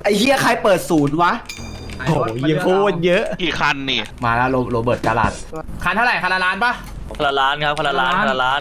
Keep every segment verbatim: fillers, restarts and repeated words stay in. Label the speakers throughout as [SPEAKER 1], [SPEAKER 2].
[SPEAKER 1] ไอ้เหี้ยใครเปิดศูนย์วะโอ้ยโคตรเยอะ
[SPEAKER 2] กี่คันนี่
[SPEAKER 1] มาแล้วโรเบิร์ตกาลัดคันเท่าไหร่คันละล้านปะ
[SPEAKER 3] คนละล้านครับคนละล้านคนละล้าน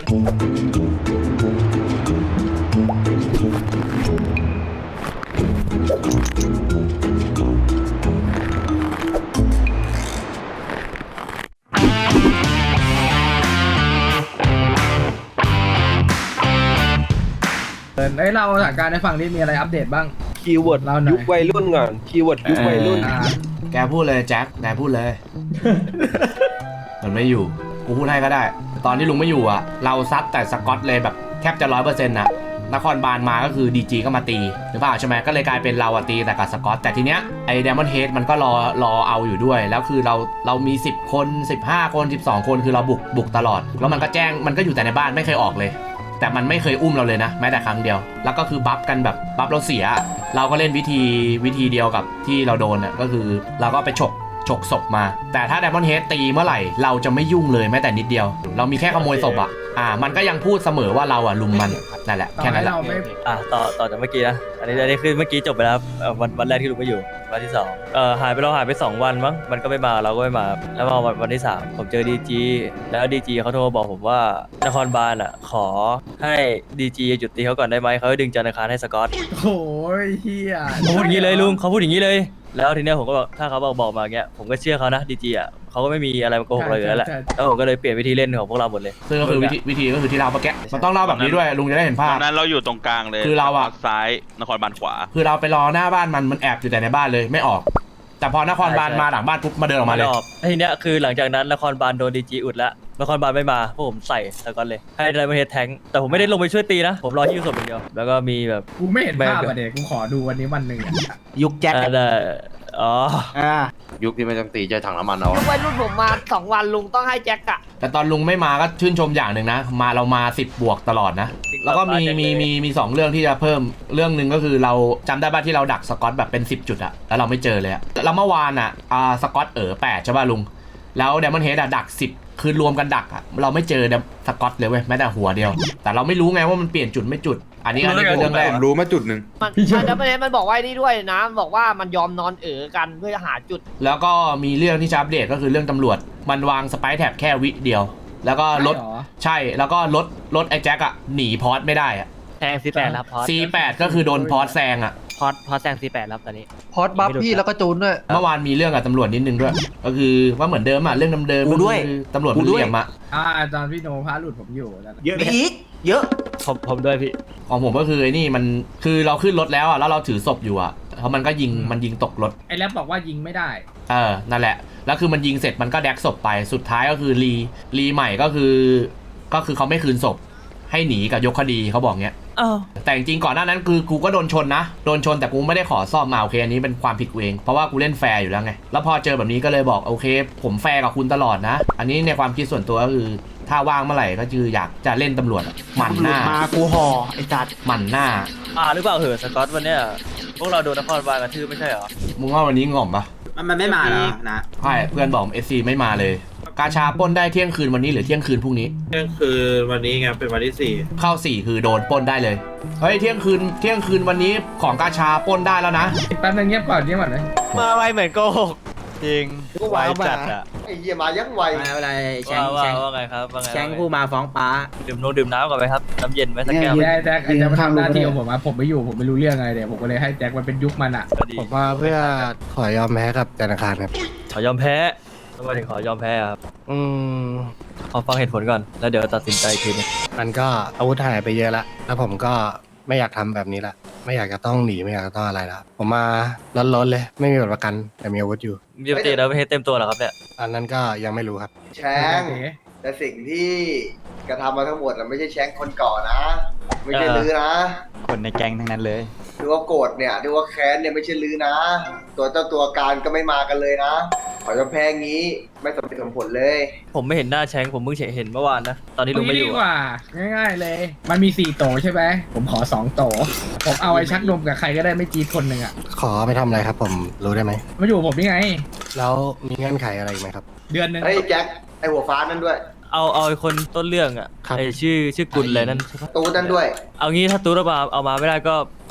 [SPEAKER 4] เอ้ยเราสถานการณ์ในฝั่งนี้มีอะไรอัปเดตบ้าง
[SPEAKER 5] คีย์เวิร์ดยุควัยรุ่นก่อนคีย์เวิร์ดยุควัยรุ่น
[SPEAKER 1] แกพูดเลยแจ็คแกพูดเลยมันไม่อยู่กูพูดให้ก็ได้ตอนที่ลุงไม่อยู่อ่ะเราซัดแต่สกอตเลยแบบแทบจะร้อยเปอร์เซ็นต์นะนครบาลมาก็คือดีจีก็มาตีหรือเปล่าใช่ไหมก็เลยกลายเป็นเราอะตีแต่กับสกอตแต่ทีเนี้ยไอ้เดมอนเฮดมันก็รอรอเอาอยู่ด้วยแล้วคือเราเรามีสิบคนสิบห้าคนสิบสองคนคือเราบุกบุกตลอดแล้วมันก็แจ้งมันก็อยู่แต่ในบ้านไม่เคยออกเลยแต่มันไม่เคยอุ้มเราเลยนะแม้แต่ครั้งเดียวแล้วก็คือบัฟกันแบบบัฟเราเสียเราก็เล่นวิธีวิธีเดียวกับที่เราโดนอ่ะก็คือเราก็ไปฉกฉกศพมาแต่ถ้า Diamond Head ตีเมื่อไหร่เราจะไม่ยุ่งเลยแม้แต่นิดเดียวเรามีแค่ขโมยศพอ่ะอ่ามันก็ยังพูดเสมอว่าเราอ่ะลุมมันนั่นแหละแค่นั้นแหละ
[SPEAKER 3] อ่ะต่อต่อจากเมื่อกี้นะอันนี้อันนี้คือเมื่อกี้จบไปแล้ววันวันแรกที่ลุงไม่อยู่วันที่สองเอ่อหายไปเราหายไปสองวันมั้งมันก็ไม่มาเราก็ไม่มาแล้วมาวันวันที่สามผมเจอดีจีแล้วดีจีเขาโทรมาบอกผมว่านครบาลอ่ะขอให้ดีจีหยุดตีเขาก่อนได้ไหมเขาดึงจันทร์อังคารให้สกอต
[SPEAKER 4] โอ้ยเฮีย
[SPEAKER 3] เขาพูดอย่างนี้เลยลุงเขาพูดอย่างนี้เลยแล้วทีเนี้ยผมก็บอกถ้าเขาบอกบอกมาเงี้ยผมก็เชื่อเขานะดีจีอ่ะเขาก็ไม่มีอะไรมาโกหกเราอยู่แล้วแหละแล้วผมก็เลยเปลี่ยนวิธีเล่นของพวกเราหมดเลย
[SPEAKER 1] ซึ่งก็คือวิธีวิธีก็คือที่เราเมื่อกี้มันต้องเล่าแบบนี้ด้วยลุงจะได้เห็นภาพ
[SPEAKER 2] นั้นเราอยู่ตรงกลางเลย
[SPEAKER 1] คือเราอะ
[SPEAKER 2] ซ้ายนครบาลขวา
[SPEAKER 1] คือเราไปรอหน้าบ้านมันมันแอบอยู่แต่ในบ้านเลยไม่ออกแต่พอนครบาลมาหลังบ้านปุ๊บมาเดินออกมาเลย
[SPEAKER 3] ทีเนี้ยคือหลังจากนั้นนครบาลโดนดีจีอุดแล้วนครบาลไม่มาพวกผมใส่แล้วก็เลยให้ไดมอนด์เฮดแทงแต่ผมไม่ได้ลงไปช่วยตีนะผมรอที่ศพอย่างเดียวแล้วก็มีแบบ
[SPEAKER 4] กูไม่เห็นภาพอะเด็กกูขอดูวันนี้วันหนึ่ง
[SPEAKER 1] ยุคแจ็ค
[SPEAKER 3] อ๋อ
[SPEAKER 5] ยุคที่ไม่ต้องตีใจถังน้ำมันเอา
[SPEAKER 6] ยุควัยรุ่นผมมาสองวันลุงต้องให้แจ็คอะ
[SPEAKER 1] แต่ตอนลุงไม่มาก็ชื่นชมอย่างหนึ่งนะมาเรามาสิบบวกตลอดนะแล้วก็มีมีมีมีสองเรื่องที่จะเพิ่มเรื่องหนึ่งก็คือเราจำได้ป่ะที่เราดักสกอตแบบเป็นสิบจุดอะแล้วเราไม่เจอเลยอะแล้วเมื่อวานอะอ่าสกอตเอ๋อแปดใช่ป่ะลุงแล้วเดมอนเฮดอะดักสิบคือรวมกันดักอะเราไม่เจอสกอตเลยเว้ยแม้แต่หัวเดียวแต่เราไม่รู้ไงว่ามันเปลี่ยนจุดไม่จุดอันนี้อันนี้คือเรื่องแรก
[SPEAKER 5] รู้มาจุดหนึ่ง
[SPEAKER 6] มันแล้วประเด็นมันบอกว่านี่ด้วยนะบอกว่ามันยอมนอนเอ๋อกันเพื่อจะหาจุด
[SPEAKER 1] แล้วก็มีเรื่องที่จะอัปเดตก็คือเรื่องตำรวจมันวางสไปร์แท็บแค่วิเดียวแล้วก็รถใช่แล้วก็รถรถไอ้แจ็คอะหนีพอร์ตไม่ได้อะ
[SPEAKER 6] แซงซีแปดแล้วพอร์ต
[SPEAKER 1] ซีแปดก็คือโดนพอร์ตแซงอะ
[SPEAKER 6] พอร์ตพอร์ตแซงซีแปดแล้วตอนนี้
[SPEAKER 4] พอร์ตบัฟพี่แล้วก็จูนด้วย
[SPEAKER 1] เมื่อวานมีเรื่องกับตำรวจนิดนึงด้วยก็คือว่าเหมือนเดิมอะเรื่องเดิมๆด้วยตำรวจมันเหลี่ยมอะ
[SPEAKER 4] อ่าอาจารย์พี่โนพาหลุดผมอยู่
[SPEAKER 1] เยอะอีกเยอะ
[SPEAKER 3] ผมผมด้วยพี่
[SPEAKER 1] ของผมก็คือไอ้นี่มันคือเราขึ้นรถแล้วอะแล้วเราถือศพอยู่อะเพราะมันก็ยิงมันยิงตกรถ
[SPEAKER 4] ไอ้แรปบอกว่ายิงไม่ได้
[SPEAKER 1] เออนั่นแหละแล้วคือมันยิงเสร็จมันก็แดกศพไปสุดท้ายก็คือรีรีใหม่ก็คือก็คือเขาไม่คืนศพให้หนีกับยกคดีเขาบอกเงี้ยแต่จริงก่อนหน้านั้นคือกูก็โดนชนนะโดนชนแต่กูไม่ได้ขอซ่อมมาโอเคอันนี้เป็นความผิดกูเองเพราะว่ากูเล่นแฟร์อยู่แล้วไงแล้วพอเจอแบบนี้ก็เลยบอกโอเคผมแฟร์กับคุณตลอดนะอันนี้ในความคิดส่วนตัวก็คือถ้าว่างเมื่อไหร่ก็คืออยากจะเล่นตำรวจหมั่นหน้า
[SPEAKER 6] มากูห่อไอ้จัด
[SPEAKER 1] หมั่นหน้า
[SPEAKER 3] อ่าหรือเปล่าเหรอสกอตวันเนี้ยพวกเราโดนนครบาลกระทืบไม่ใช่เหรอ
[SPEAKER 1] มึงว่าวันนี้ง่อมปะ
[SPEAKER 4] มันไม่มาแล้วนะ
[SPEAKER 1] ใช่เพื่อนบอกเอสซีไม่มาเลยกาชาปล้นได้เที่ยงคืนวันนี้หรือเที่ยงคืนพรุ่งนี้
[SPEAKER 5] เที่ยงคืนวันนี้ไงเป็นวันที่สี่
[SPEAKER 1] เข้าสี่คือโดนปล้นได้เลยเฮ้ยเที่ยงคืนเที่ยงคืนวันนี้ของกาชาปล้นได้แล้วนะ
[SPEAKER 4] แป๊บนึงเงียบก่อนเงียบก่อนเลย
[SPEAKER 3] มาไวเหมือนโกหกจริง
[SPEAKER 6] ไวจัดอะไอ้เหี้ยมายังไว
[SPEAKER 3] อะไรแชงแชงว่าไงครับว่าไง
[SPEAKER 6] แชงผู้มาฟ้องป้า
[SPEAKER 3] ดื่มนมดื่มน้ำก่อนไหมครับน้ำเย็นไหมสักแก้ว
[SPEAKER 4] แจ็คแจ็คจะมาทำหน้าที่ของผมอะผมไม่อยู่ผมไม่รู้เรื่องอะไรเดี๋ยวผมก็เลยให้แจ็คมันเป็นยุคมันอะ
[SPEAKER 7] ผมมาเพื่อขอยอมแพ้กับธนาคารครับ
[SPEAKER 3] ขอยอมแพ้ทำไมถึงขอยอมแพ้ครับอืมขอฟังเหตุผลก่อนแล้วเดี๋ยวตัดสินใจทีนึง
[SPEAKER 7] มันก็อาวุธหายไปเยอะละแล้วผมก็ไม่อยากทำแบบนี้ละไม่อยากจะต้องหนีไม่อยากจะต้องอะไรละผมมาล้นๆเลยไม่มีบัตรประกันแต่มีอาวุธอยู่
[SPEAKER 3] มีปกติแล้วไม่ให้เต็มตัวหรอครับเนี่ย
[SPEAKER 7] อันนั้นก็ยังไม่รู้ครับ
[SPEAKER 8] แชงแต่สิ่งที่กระทำมาทั้งหมดเราไม่ใช่แชงคนก่อนนะไม่ใช่ลือนะ
[SPEAKER 3] คนในแก๊งทั้งนั้นเลย
[SPEAKER 8] ดูว่าโกรธเนี่ยดูว่าแค้นเนี่ยไม่ใช่ลือนะตัวเจ้าตัวการก็ไม่มากันเลยนะขอจะแพ้งี้ไม่สมเหตุสมผลเลย
[SPEAKER 3] ผมไม่เห็นหน้าแชงผมเพิ่งเห็นเมื่อวานนะตอนที่ลุงไม่อยู่
[SPEAKER 4] ดีกว่าง่ายๆเลยมันมีสี่โตใช่ไหมผมขอสองโตผมเอาไอ้ชักนมกับใครก็ได้ไม่จีดคนหนึ่งอ่ะ
[SPEAKER 7] ขอไปทำอะไรครับผมรู้ได้ไหม
[SPEAKER 4] มาอยู่ผมนี่ไง
[SPEAKER 7] แล้วมีเงื่อนไขอะไรไหมครับ
[SPEAKER 4] เดือนนึง
[SPEAKER 8] ไอ้แจ็คไอ้หัวฟ้านั่นด้วย
[SPEAKER 3] เอาเอาไอ้คนต้นเรื่องอ่ะไอ้ชื่อชื่อกุลเลยนั่นใช่ปะ
[SPEAKER 8] ตูนั่นด้วย
[SPEAKER 3] เอางี้ถ้าตูเอามาเอามาไม่ได้ก็เอ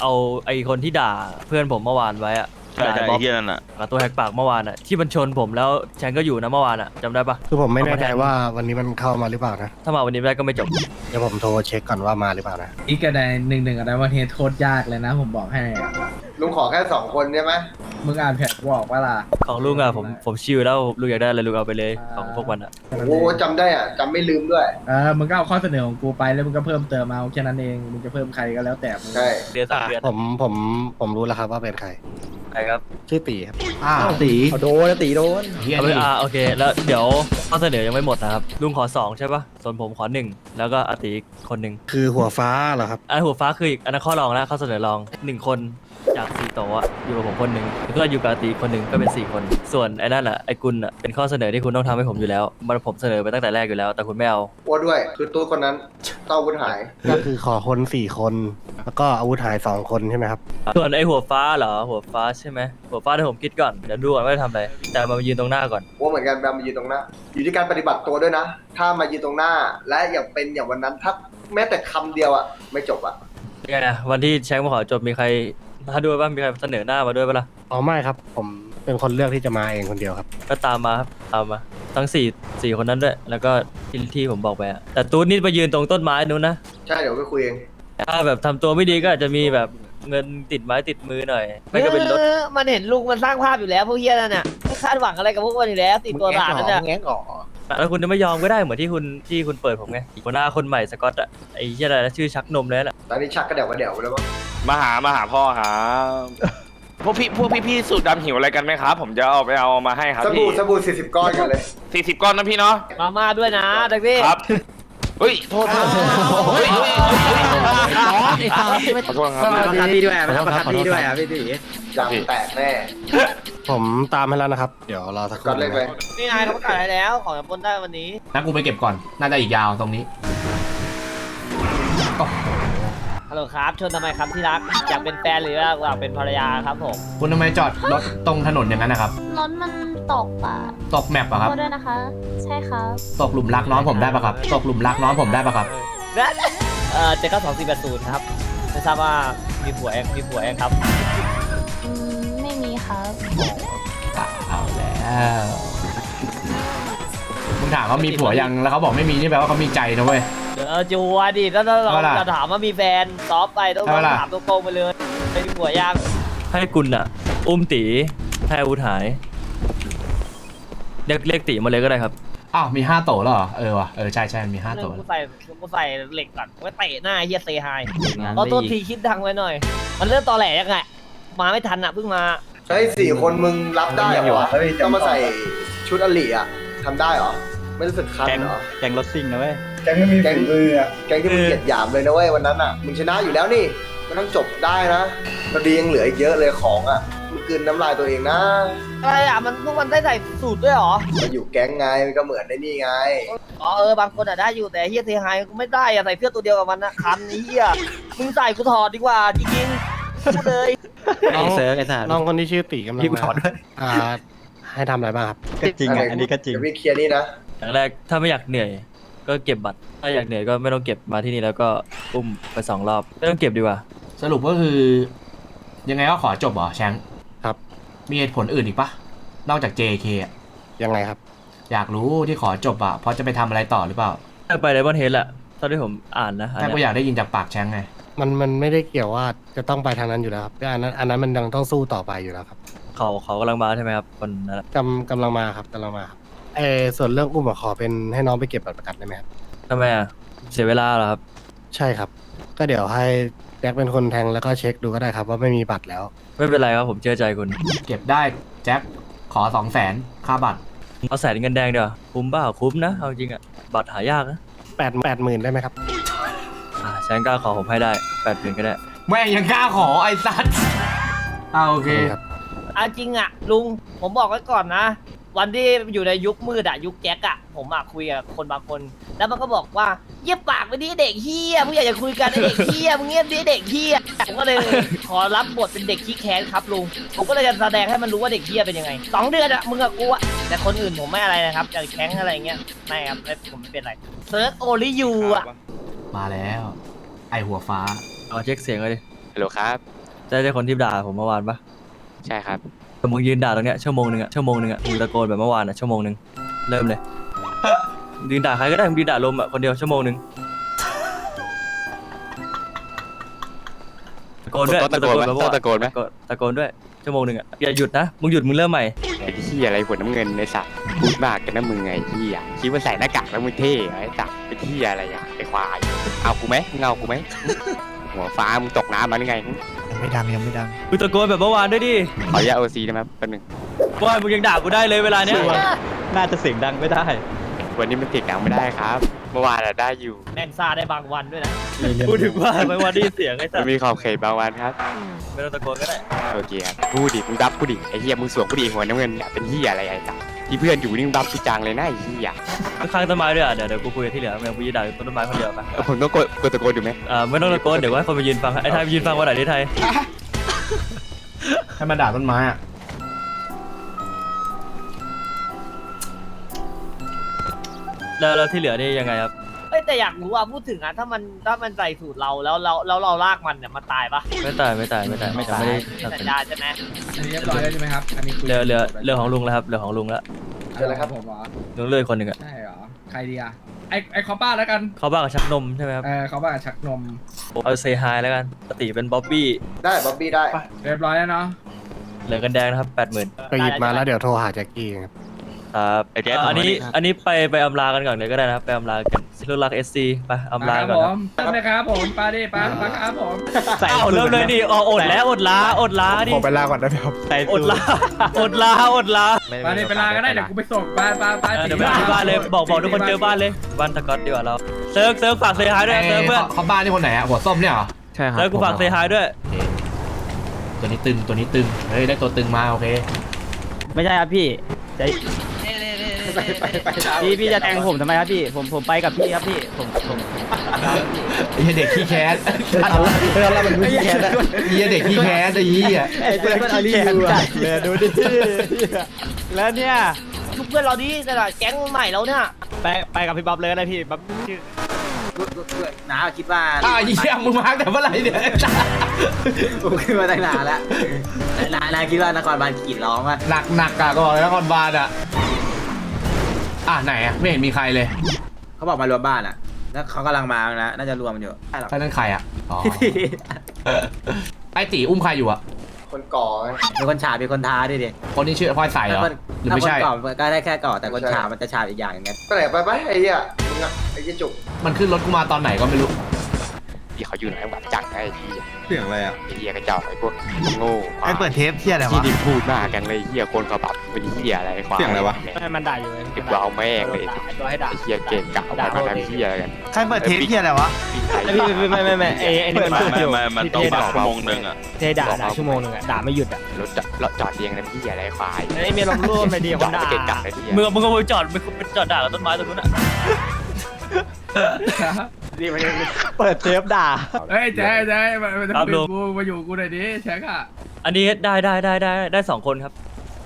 [SPEAKER 3] เอาไอ้คนที่ด่าเพื่อนผมเมื่อวานไว้อะ
[SPEAKER 2] ใช่ใช่
[SPEAKER 3] ด่า
[SPEAKER 2] ไอ้เฮียนั่นอ่ะ
[SPEAKER 3] กับตัวแหกปากเมื่อวานอะที่มันชนผมแล้วแชงก็อยู่นะเมื่อวานอะจำได้ปะ
[SPEAKER 7] คือผมไม่แน่ใจว่าวันนี้มันเข้ามาหรือเปล่านะ
[SPEAKER 3] ถ้ามาวันนี้ไม่ได้ก็ไม่จบ
[SPEAKER 7] เดี๋ยวผมโทรเช็คก่อนว่ามาหรือเปล่านะ
[SPEAKER 4] อีกกระไดหนึ่งหนึ่งอะไรวันเทสโคตรยากเลยนะ ผมบอกให้อะ
[SPEAKER 8] ลุงขอแค่สองคนใช่ไหม
[SPEAKER 4] มึงอ่านแผนกูออกว่าล่ะ
[SPEAKER 3] ของลุงอะผมผมชิลแล้วลุงอยากได้อะไรลุงเอาไปเลยของพวกมันอะ
[SPEAKER 8] โอ้จำได้อ่ะจำไม่ลืมด้วย
[SPEAKER 4] เออมึงก็เอาข้อเสนอของกูไปแล้วมึงก็เพิ่มเติมเอาแค่นั้นเองมึงจะเพิ่มใครก็แล้วแต่มึง
[SPEAKER 8] ใช่
[SPEAKER 3] เดือนสองเดือน
[SPEAKER 7] ผมผมผมรู้แล้วครับว่าเป็นใคร
[SPEAKER 3] ใช่ครับ
[SPEAKER 7] ชื่อตีครับ
[SPEAKER 1] อ้าวตี
[SPEAKER 5] โดนตีโดน
[SPEAKER 1] เฮีย
[SPEAKER 3] เอาไป
[SPEAKER 1] นี่
[SPEAKER 3] อ่าโอเค แล้วเดี๋ยวข้อเสนอยังไม่หมดนะครับลุงขอสองใช่ปะส่วนผมขอหนึ่งแล้วก็อาติอีกคนหนึ่ง
[SPEAKER 7] คือหัวฟ้าเหรอครับ
[SPEAKER 3] อันหัวฟ้าคืออีกอันนั้นข้อรองแล้วข้อเสนอรองหนึ่งคนจากสี่โต๊ะอะอยู่กับผมคนหนึ่งแล้วก็อยู่กับอาติอีกคนหนึ่งก็เป็นสี่คน ส่วนไอ้นั่นอะไอ้กุลอะเป็นข้อเสนอที่คุณต้องทำให้ผมอยู่แล้วมันผมเสนอไปตั้งแต่แรกอยู่แล้วแต่คุณไม่เอา
[SPEAKER 8] อ้วนด้วย คือตู้คนนั้นเต้าบุญหาย
[SPEAKER 7] ก็คือขอคนสี่คน แล้วก็อาวุธหายสองคนใช่ไหมครับ
[SPEAKER 3] ส่วนไอ้หัวฟ้าเหรอหัวฟ้าใช่ไหมหัวฟ้าที่ผมคิดก่อนเดี๋ยวดูก่อนว่าจะทำอะไรแต่มายืนตรงหน้าก่อน
[SPEAKER 8] อ้วนเหมือนกันแบบมายืนตรงหน้า อยู่ที่การปฏิบัติตัวด้วยนะ ถ้ามายืนตรงหน้า และอย่างเป็นอย่างวันนั้นถ้าแม้แต่คำเดียวอ่ะไม่จบอ่ะ
[SPEAKER 3] ยังไงนะวันที่แชงมาขอจบมีใครมาด้วยป่ะมีใครเสนอหน้ามาด้วยป่ะล่ะ
[SPEAKER 7] อ๋อไม่ครับ ผมเป็นคนเลือกที่จะมาเองคนเดียวครับ
[SPEAKER 3] ก็ตามมาครับตามมาทั้งสี่สี่คนนั้นด้วยแล้วก็ที่ที่ผมบอกไปอะแต่ตูนนี่ไปยืนตรงต้นไม้นู้นนะ
[SPEAKER 8] ใช่เดี๋ยวไปคุยเอง
[SPEAKER 3] ถ้าแบบทำตัวไม่ดีก็อาจจะมีแบบเงินติดไม้ติดมือหน่อยไม่ก็เป็นรถ
[SPEAKER 6] ออมันเห็นลุงมันสร้างภาพอยู่แล้วพวกเฮียนั่นน่ะไม่คาดหวังอะไรกับพวกมันอยู่แล้วติดตัวด่านั่นน่ะ
[SPEAKER 5] แง้งอ๋อ
[SPEAKER 3] แล้วคุณจะไม่ยอมก็ได้เหมือนที่คุณที่คุณเปิดผมไงหัวหน้าคนใหม่สกอตอะไอ้เหี้ยอะไรนะชื่อชักนมเลยน่ะ
[SPEAKER 8] ตอนนี้ชักกระเดี่ยวกระเดี่ยวไปแล้วมั้ง
[SPEAKER 9] มาหามาหาพ่อครับ พวกพี่พวกพี่พี่สูตรดำหิวอะไรกันไหมครับ ผมจะเอาไปเอามาให้ครับ
[SPEAKER 8] ส
[SPEAKER 9] พี่
[SPEAKER 8] บู่สบู่สี่สิบก้อนกันเลย
[SPEAKER 9] สี่สิบก้อนนะพี่เนาะ
[SPEAKER 6] มาม่าด้วยนะดักพี่
[SPEAKER 9] ครับเฮ้ยโทษโทษเฮ้ยเฮ้ยขอโทษครับ
[SPEAKER 5] ประคับพี่ด้วยประคับพี่ด้วยอ่ะพี่ตี
[SPEAKER 8] ยำแตกแน่
[SPEAKER 7] ผมตามให้แล้วนะครับ เดี๋ยวรอสักค
[SPEAKER 8] ก้อ
[SPEAKER 7] รู่
[SPEAKER 8] นเล็กเลย
[SPEAKER 6] นี่นายเขาประกาศให้แล้วของจะปล้นได้วันนี้
[SPEAKER 1] นักกูไปเก็บก่อน น่าจะอีกยาวตรงนี้
[SPEAKER 6] ฮัลโหลครับชวนทำไมครับที่รักอยากเป็นแฟนหรืออยากเป็นภรรยาครับผม
[SPEAKER 1] คุณทำไมจอดรถตรงถนนอย่างนั้นนะครับ
[SPEAKER 10] รถมันตกอ่ะ
[SPEAKER 1] ตกแมปอะครับ
[SPEAKER 10] โทษด้วยนะคะ ใช่ครับ
[SPEAKER 1] ตกหลุมรักน้องผมได้ปะครับ ตกหลุมรักน้องผมได้ปะครับ
[SPEAKER 6] เอ่อเจ็ดเก้าสองสี่แปดศูนย์ครับไม่ทราบว่ามีผัวเองมีผัวเองครับ
[SPEAKER 10] อืม ไม่มีครับ
[SPEAKER 1] เอาแล้วมึงถามเขามีผัวยัง แล้วเขาบอกไม่มีนี่แปลว่าเขามีใจนะเว้ย
[SPEAKER 6] เดี๋ยวจัวดิถ้าเรา
[SPEAKER 1] เอาล่ะ
[SPEAKER 6] จะถามว่ามีแฟนซอฟไปต้อง
[SPEAKER 1] เอาล่ะ
[SPEAKER 6] ถามตรงๆไปเลยไม่มีผัวยัง
[SPEAKER 3] ให้กุลอะอุ้มตีให้อาวุธหายเรียกเรียกตีมาเลยก็ได้ครับ
[SPEAKER 1] อ้าวมีห้าโตแล้วเหรอ เออว่ะ เออใช่ใช่มีห้าโต
[SPEAKER 6] กูใส่กูใส่เหล็กก่อนไว้เตะหน้าเฮียเซไฮเพราะตัวทีคิดดังไว้หน่อย มันเริ่มตอแหลยังไงมาไม่ทันอ่ะเพิ่งมา
[SPEAKER 8] เฮ้ยสี่คนมึงรับได้เหรอวะต้องมาใส่ชุดอลีอ่ะทำได้เหรอ ไม่รู้สึกคันเหรอ
[SPEAKER 5] แกงรถซิ่งนะเว้ย
[SPEAKER 8] แกงไม่มีฝีมืออ่ะ แกงที่มึงเหยียดหยามเลยนะเว้ยวันนั้นอ่ะ มึงชนะอยู่แล้วนี่ มันต้องจบได้นะมันดียังเหลืออีกเยอะเลยของอ่ะ มึงกลืนน้ำลายตัวเองนะ
[SPEAKER 6] อะไรอ่ะมันพวกมันได้ใส่สูตรด้วยเหรอ
[SPEAKER 8] มาอยู่แก๊งไงมันก็เหมือนในนี่ไง
[SPEAKER 6] อ๋อเออบางคนอ่ะได้อยู่แต่เฮียเซไฮกูไม่ได้อ่ะใส่เสื้อตัวเดียวกับมันนะคันนี้เฮียมึงใส่กูถอดดีกว่าจริงๆพูดเลย
[SPEAKER 7] น้อง
[SPEAKER 5] เซิร์ฟไอ้สัตว์
[SPEAKER 7] น้องคนที่ชื่อตีกำลัง
[SPEAKER 5] พี่กู
[SPEAKER 7] มา
[SPEAKER 5] ถอดด้วย
[SPEAKER 7] อ่า ให้ทำอะไรบ้างครับ
[SPEAKER 5] ก็จริงอ่ะอันนี้ก็จริง
[SPEAKER 8] เดี๋ยวพี่เคลียร์นี่นะ
[SPEAKER 3] อย่างแรกถ้าไม่อยากเหนื่อย ก็เก็บบัตรถ้าอยากเหนื่อยก็ไม่ต้องเก็บมาที่นี่แล้วก็อุ้มไปสองรอบไม่ต้องเก็บดีกว่า
[SPEAKER 1] สรุปก็คือ ยังไงก็ขอจบเหรอแชงค์
[SPEAKER 7] ครับ
[SPEAKER 1] มีเหตุผลอื่นอีกปะนอกจาก เจ เค อะ
[SPEAKER 7] ยังไงครับ
[SPEAKER 1] อยากรู้ที่ขอจบอะเพราะจะไปทำอะไรต่อหรือเปล่า
[SPEAKER 3] ถ้าไปไดมอนด์เฮดแหละเท่าที่ผมอ่านนะอัน
[SPEAKER 1] แต่กู
[SPEAKER 3] เนี้ย
[SPEAKER 1] อยากได้ยินจากปากแชงค์ไง
[SPEAKER 7] มันมันไม่ได้เกี่ยวว่าจะต้องไปทางนั้นอยู่แล้วครับอันนั้นอันนั้นมันยังต้องสู้ต่อไปอยู่แล้วครับ
[SPEAKER 3] เขาเขากำลังมาใช่ไหมครับคนนั้นอะ
[SPEAKER 7] กำกำลังมาครับกำลังมาครับเออส่วนเรื่องอุ้มอะขอเป็นให้น้องไปเก็บบัตรประกันได้ไหมครับ
[SPEAKER 3] ทำไมอ่ะเสียเวลาเหรอครับ
[SPEAKER 7] ใช่ครับ ก็เดี๋ยวให้แจ็คเป็นคนแทงแล้วก็เช็คดูก็ได้ครับว่าไม่มีบัตรแล้ว
[SPEAKER 3] ไม่เป็นไรครับผมเชื่อใจคุณ
[SPEAKER 1] เก็บได้แจ็คขอสองแสนค่าบัตร
[SPEAKER 3] เอาแสนเงินแดงเดี๋ยวาคุ้มเปล่าคุ้มนะเอาจริงอ่ะบัตรหายากนะ
[SPEAKER 7] แปดแปดหมื่นได้ไหมครับ
[SPEAKER 3] อ่าแชงกล้าขอผมให้ได้แปดหมื่นก็ได้
[SPEAKER 1] แม่งยังกล้าขอไอ้สัสเอาโอเค
[SPEAKER 7] ครับ
[SPEAKER 6] เอาจริงอ่ะลุงผมบอกไว้ก่อนนะ วันที่อยู่ในยุคมืดอะยุคแจ็คอะผมอะคุยกับคนบางคน แล้วมันก็บอกว่าเยี่ยปากไปดิเด็กเฮียมึงอยากจะคุยกันไอ้เด็กเฮียมึงเงียบดิเด็กเฮียผมก็เลย ขอรับบทเป็นเด็กขี้แค้นครับลุงผมก็เลยจะแสดงให้มันรู้ว่าเด็กเฮียเป็นยังไงสองเดือนอะมึงกับกูอะแต่คนอื่นผมไม่อะไรนะครับจะแข้งอะไรเงี้ยไม่ครับไม่ผมไม่เป็นไรเซิร์ชโอลิยูอะ
[SPEAKER 1] มาแล้ว ไอหัวฟ้า
[SPEAKER 3] เอาเช็คเสียงเลยดิ
[SPEAKER 9] ฮัลโหลครับ
[SPEAKER 3] ใช่ใช่คนที่ด่าผมเมื่อวานปะ
[SPEAKER 5] ใช่ครับ
[SPEAKER 3] แต่มึงยืนด่าตรงเนี้ยชั่วโมงหนึ่งอะชั่วโมงหนึ่งอะมึงตะโกนแบบเมื่อวานอะชั่วโมงหนึ่งเริ่มเลยยืนด่าใครก็ได้มึงยืนด่าลมอะคนเดียวชั่วโมงหนึ่งตะโกนด้วย
[SPEAKER 5] ต้องตะโกนไหม
[SPEAKER 3] แบบเมื่
[SPEAKER 5] ต้
[SPEAKER 3] อ
[SPEAKER 5] อง
[SPEAKER 3] วาน
[SPEAKER 5] ตะโกนไหม
[SPEAKER 3] ตะโกนด้วยชั่วโมงหนึ่งอะอย่าหยุดนะมึงหยุดมึงเริ่มใหม่
[SPEAKER 5] ไอ้ที่อะไรหัวน้ำเงินไอ้สัตว์พูดมากกันนะมึงไงที่อ่ะคิดว่าใส่หน้ากากแล้วมึงเท่เหรอไอ้สัตว์ไอ้ที่อะไรอ่ะไอ้ควายเอากูไหมมึงเอากูไหมหัวฟ้ามึงตกน้ำมาหรือไง
[SPEAKER 7] ยังไม่ดังยังไม่ดัง
[SPEAKER 3] มึงตะโกนแบบเมื่อวานด้วยดิ
[SPEAKER 5] ขออนุญาตโอซีได้ไหมครับแป๊บนึง
[SPEAKER 3] ว่ามึงยังด่ากูได้เลยเวลาเนี้ย
[SPEAKER 5] น่าจะเสียงดังไม่ได้ วันนี้มันเสียงดังไม่ได้ครับ เมื่อวานอะได้อยู่
[SPEAKER 6] แม่งซาได้บางวันด้วยนะ
[SPEAKER 3] พูดถึงว่าไม่ว่าได้ยินเสียงไอ้สั
[SPEAKER 5] มั
[SPEAKER 3] ส
[SPEAKER 5] นมีขอบเขตบางวันครับ
[SPEAKER 3] ไม่ต้องตะโกนก็ได้
[SPEAKER 5] โอเคครับพูดดิมึงรับกูดิไอ้เหี้ยมึงสวมกูดิหัวน้ำเงินเนี่ยเป็นเหี้ยอะไรไอ้สัตว์ที่เพื่อนอยู่นี่มึงรับกูจังเลยนะไอ้เหี้ย
[SPEAKER 3] ข้างต้นไม้ด้วยอ่ะเดี๋ยวเดี๋ยวกูคุยกับที่เหลือมึงกูยืนด่าต้นไม้คนเดียวไป
[SPEAKER 5] เออผมต้องกดกดตะโกนอยู่ไหม
[SPEAKER 3] อ่าไม่ต้องตะโกนเดี๋ยวให้คนมายืนฟังไอ้ไทยไปยืนฟังวันไหนที่ไทย
[SPEAKER 1] ให้มันด่าต้นไม้อะ
[SPEAKER 3] แล้วแล้วที่เหลือนี่ยังไงครับ
[SPEAKER 6] เอ้ยแต่อยากรู้ว่าพูดถึงอะถ้ามันถ้ามันใส่สูตรเราแล้วเราแล้วเราลากมันเนี่ยมันตายปะ
[SPEAKER 3] ไม่ตายไม่ตายไม่ตายไม่ตายไม่ได้
[SPEAKER 6] มี
[SPEAKER 3] ตัด
[SPEAKER 6] สัญ
[SPEAKER 3] สิน
[SPEAKER 6] ญาใช่ไหม
[SPEAKER 4] อันนี้เรียบร้อยแล้วใช่ไหมครับอันนี้คุย
[SPEAKER 3] เหลือเหลือเหลือของลุงแล้วครับเหลือของลุงแล้ว
[SPEAKER 8] เจอแล้วครับ
[SPEAKER 4] ผมเหรอ
[SPEAKER 3] ลุงเลื่อยคนหนึ่งอ่ะ
[SPEAKER 4] ใช่เหรอใครดีอ่ะไอไอคอป้าแล้วกัน
[SPEAKER 3] เขาบ้ากับชักนมใช่ไหมครับ
[SPEAKER 4] เออเขาบ้ากับชักนม
[SPEAKER 3] เอาเซฮายแล้วกันปกติเป็นบ๊อบบี้
[SPEAKER 8] ได้บ๊อบบี้ได้
[SPEAKER 4] เรียบร้อยแล้วเนาะ
[SPEAKER 3] เหลือกันแดงนะครับแปดหมื่น
[SPEAKER 7] ไปหยิบมาแล้วเดี๋ยวโทรหาแจ็คกี้ครับ
[SPEAKER 3] ครับ
[SPEAKER 2] ไอ้แจ๊ค
[SPEAKER 3] อันนี้อันนี้ไปไปอำลากันก่อนเลยก็ได้นะครับไปอำลากันซิลูลักเอสซีไปอำลา
[SPEAKER 4] ครับ
[SPEAKER 3] ก่อน
[SPEAKER 4] ผ
[SPEAKER 3] ครับ
[SPEAKER 4] มเริ่มเลยครับผมปาดิปาปาครับผม
[SPEAKER 3] อ้าวเริ่มเลยดิอ๋ออดแล้วอดลาอดลาดิ
[SPEAKER 7] ผมไปลาก่อนได้ไหมครับ
[SPEAKER 3] อดลาอดลาอดลา
[SPEAKER 4] ปาดิไปลาก็ได้เดี๋ยวกูไปส่งปาปาปา
[SPEAKER 3] เออเดี๋ยวไปที่บ้านเลยบอกบอกทุกคนเจอบ้านเลยบ้านตะก๊อตดีกว่าเราเซิร์ฟเซิร์ฟฝากเซฮายด้วยเซิร์ฟเพื่อน
[SPEAKER 1] เขาเขาบ้านนี่คนไหนอะหัวส้มเนี่ยเหรอ
[SPEAKER 5] ใช่ครับ
[SPEAKER 3] เซิร์ฟกูฝากเซฮายด้วย
[SPEAKER 1] โอเคตัวนี้ตึงตัวนี้ตึงเฮ้ยได้ตัวตึงมาโอเค
[SPEAKER 5] ไม่ใช่ครับพี่ใจ
[SPEAKER 8] ไปไปไป
[SPEAKER 5] พี่พี่จะแทงผมทำไมครับพี่ผมผมไปกับพี่ครับพี่ผมผม
[SPEAKER 1] ไอ้เหี้ยเด็กขี้แค้น
[SPEAKER 8] เอาละเอาละมันไม่แค้นนะ
[SPEAKER 1] ไอ้เหี้ยเด็กขี้แค้นไอ้เหี้ย
[SPEAKER 5] ไอ้เพื่อนอารีวิวอะเลยดูดิแล้วเนี่ย
[SPEAKER 6] ทุกเพื่อนเราดิแต่ละแก๊งใหม่แล้วเนี่ย
[SPEAKER 5] ไปไปกับพี่บ๊อบเลยก็ได้พี่บ๊อบชื่อน้าคิดว่า
[SPEAKER 1] อ้าวไอ้เหี้ยมึงมาแต่เมื่อไหร่เนี่ย
[SPEAKER 5] ผมขึ้นมาตั้งนานแล้วนานาคิดว่านครบาลขีดร้องว่า
[SPEAKER 1] หนักหนักอะก็บอกเลยนครบาลอะอ่ะไหนอะไม่เห็นมีใครเลย
[SPEAKER 5] เขาบอกมารวมบ้านอ่ะแล้วเขากำลังมาแล้วน่าจะรวมอยู่ใช่หรอ
[SPEAKER 1] ใช่นั่นใครอะอ๋อไอตีอุ้มใครอยู่อะ
[SPEAKER 8] คนก่อไง
[SPEAKER 5] มีคนฉาบมีคนท้าด้วยดิ
[SPEAKER 1] คนที่ชื่อพลอยใสเหรอหรือไม่ใช่
[SPEAKER 5] ถ้าคนก่อก็ได้แค่ก่อแต่คนฉาบมันจะฉาบอีกอย่างอย่างเงี้ย
[SPEAKER 8] ไปไหนไปไปไอ้เหี้ยมึงอะไอ้เหี้ยจุก
[SPEAKER 1] มันขึ้นรถกูมาตอนไหนก็ไม่รู้
[SPEAKER 5] ที่เขาอยู่ไหนหวัดจังไอ้ที่
[SPEAKER 8] เสียงอะไรอ่ะ
[SPEAKER 5] ไอ้เหี้ยกระจอกไอ้พวกโง่
[SPEAKER 7] ไอเปิดเทปเที่ยอะไร
[SPEAKER 5] ที่
[SPEAKER 7] วะ
[SPEAKER 5] ดิพูดมากกันเลยเหี้ยคนเขาปรับเป็นเหี้ยอะไรควาย
[SPEAKER 8] เสียงอะไรวะ
[SPEAKER 5] มันด่าอยู่เลยติดเอาแม่งเลย
[SPEAKER 6] ตัวให้ด่า
[SPEAKER 5] ไอ้เหี้ยเก่งกะเอาไปมาทำเหี้ยอะไรกัน
[SPEAKER 7] ใครเปิดเทปเที่ยอะไรวะ
[SPEAKER 5] พี่ไม่ไม่ไม่ไอ้ไอ้นี่มันพูดอยู่
[SPEAKER 2] ไม่มันต้องแบบชั่วโมงหนึ่งอะ
[SPEAKER 5] เทด่าด่าชั่วโมงนึงอ่ะด่าไม่หยุดอ่ะรถรถจอดเรียงน้ำเหี้ยอะไรควาย
[SPEAKER 6] ไอ้เมียลงรูปไปดี
[SPEAKER 5] จ
[SPEAKER 6] ค
[SPEAKER 5] อน ด
[SPEAKER 6] ด่า
[SPEAKER 5] เก่งกะเลยเหี้ย
[SPEAKER 3] มึงมึงก็ไปจอดไปไปจอดด่ากับต้นไม้ตรงนู้นอ่ะ
[SPEAKER 5] เปิดเทปด่า
[SPEAKER 4] เฮ้ยแจ๊แจ๊มามาดูกูมาอยู่กูหน่อยดิแช็คอะ
[SPEAKER 3] อันนี้ได้ได้ได้ได้ได้สองคนครับ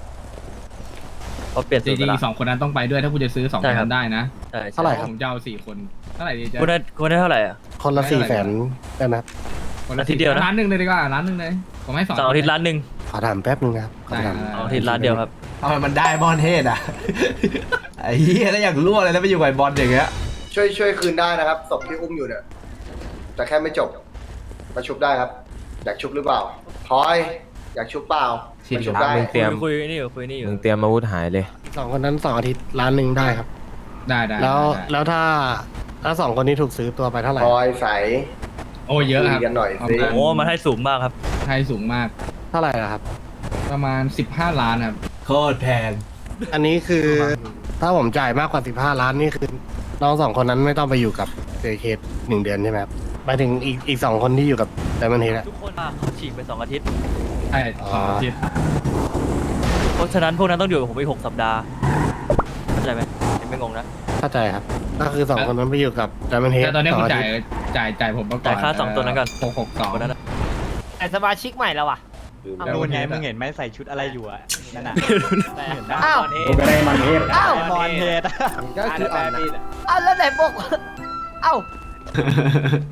[SPEAKER 3] เขาเปลี่ยน
[SPEAKER 4] จ
[SPEAKER 3] สูตร
[SPEAKER 4] ริ
[SPEAKER 3] ไป
[SPEAKER 4] ง
[SPEAKER 3] แล้ว
[SPEAKER 4] ๆสองคนนั้นต้องไปด้วยถ้าคุณจะซื้อสอง
[SPEAKER 3] ใช่
[SPEAKER 4] คน
[SPEAKER 3] ครับ
[SPEAKER 4] นั้นได้นะ
[SPEAKER 3] ใช่
[SPEAKER 7] เท่าไหร่ครับ
[SPEAKER 4] ผมจะเอาสี่คนเท่าไหร่ดีแจ๊
[SPEAKER 3] คุณได้คุณได้เท่าไหร่อ่ะ
[SPEAKER 7] คนละสี่แสนได้ไหมครับ
[SPEAKER 4] คนละ
[SPEAKER 3] อาทิตย์เดียวนะ
[SPEAKER 4] ร้านหนึ่งเลยดีกว่าร้านหนึ่งเลยผมให้สอง
[SPEAKER 3] สองอาทิตย์ล้านหนึ่ง
[SPEAKER 7] ขอถามแป๊บนึงนะครับขอถาม
[SPEAKER 3] สองอาทิตย์ล้านเดียวครับ
[SPEAKER 1] ทำไมมันได้บอลเทศอะ ไอ้เหี้ยแล้วอยากรั่วเลยแล้วไปอยู่กับบอลอย่างเงี้ย
[SPEAKER 8] ช่วยช่วยคืนได้นะครับศพที่อุ้มอยู่เนี่ยแต่แค่ไม่จบมาชุบได้ครับ อยากชุบหรือเปล่าพลอยอยากชุบเปล่ามาชุบได้
[SPEAKER 3] คุยคุยนี่อยู่คุยนี่อยู่
[SPEAKER 5] มึงเตรียมอาวุธหายเลย
[SPEAKER 7] สองคนนั้นสองอาทิตย์ล้านหนึ่งได้ครับ
[SPEAKER 4] ได้ได้
[SPEAKER 7] แล้ว
[SPEAKER 4] ได้
[SPEAKER 7] แล้วถ้าถ้าสองคนนี้ถูกซื้อตัวไปเท่าไหร่
[SPEAKER 8] พลอยใส
[SPEAKER 4] โอ้เยอะครับ
[SPEAKER 8] คุยกันหน่อยสิ
[SPEAKER 3] โอ้มันให้สูงมากครับ
[SPEAKER 4] ไทยสูงมาก
[SPEAKER 7] เท่าไหร่อะครับ
[SPEAKER 4] ประมาณสิบห้าล้านครับ
[SPEAKER 1] โคตรแพง
[SPEAKER 7] อันนี้คือถ้าผมจ่ายมากกว่าสิบห้าล้านนี่คือน้องสองคนนั้นไม่ต้องไปอยู่กับเจเคหนึ่งเดือนใช่ไหมครับหมายถึงอีกอีกสองคนที่อยู่กับไดมอนด์เฮดอะ
[SPEAKER 3] ทุกคนเขาฉีกไปสองอาทิตย์
[SPEAKER 4] ใช่สองอาทิตย์
[SPEAKER 3] เพราะฉะนั้นพวกนั้นต้องอยู่กับผมอีกหกสัปดาห์เข้าใจไหมยังไม่งงนะ
[SPEAKER 7] เข้าใจครับ ก็คือสองคนนั้นไปอยู่กับไดมอนด์เฮด
[SPEAKER 4] แต่ตอนนี้
[SPEAKER 7] ส
[SPEAKER 4] คุ
[SPEAKER 7] อง
[SPEAKER 4] ณ
[SPEAKER 7] อา
[SPEAKER 4] จ่า
[SPEAKER 7] ทิ
[SPEAKER 4] ย
[SPEAKER 7] ตย์
[SPEAKER 4] จ่ายจ่ายผมมาก่อน
[SPEAKER 3] จ่ายค่าสองตัวนั้นก่อน
[SPEAKER 4] หกหกสอง
[SPEAKER 3] คนนั้นนะ
[SPEAKER 6] ไอ้สมาชิกใหม่แล้วอ่ะ
[SPEAKER 4] นู่นไงมึงเห็น
[SPEAKER 5] ใส่ชุดอะไรอยู่อ่ะนั่นน่ะ
[SPEAKER 6] อ้าว
[SPEAKER 5] ก็ได้มันเทป
[SPEAKER 6] อ้าว
[SPEAKER 5] มอนเทป
[SPEAKER 8] ก็คืออ่อนนะ
[SPEAKER 6] อ้าวแล้วไหนบอกว่าอ้าว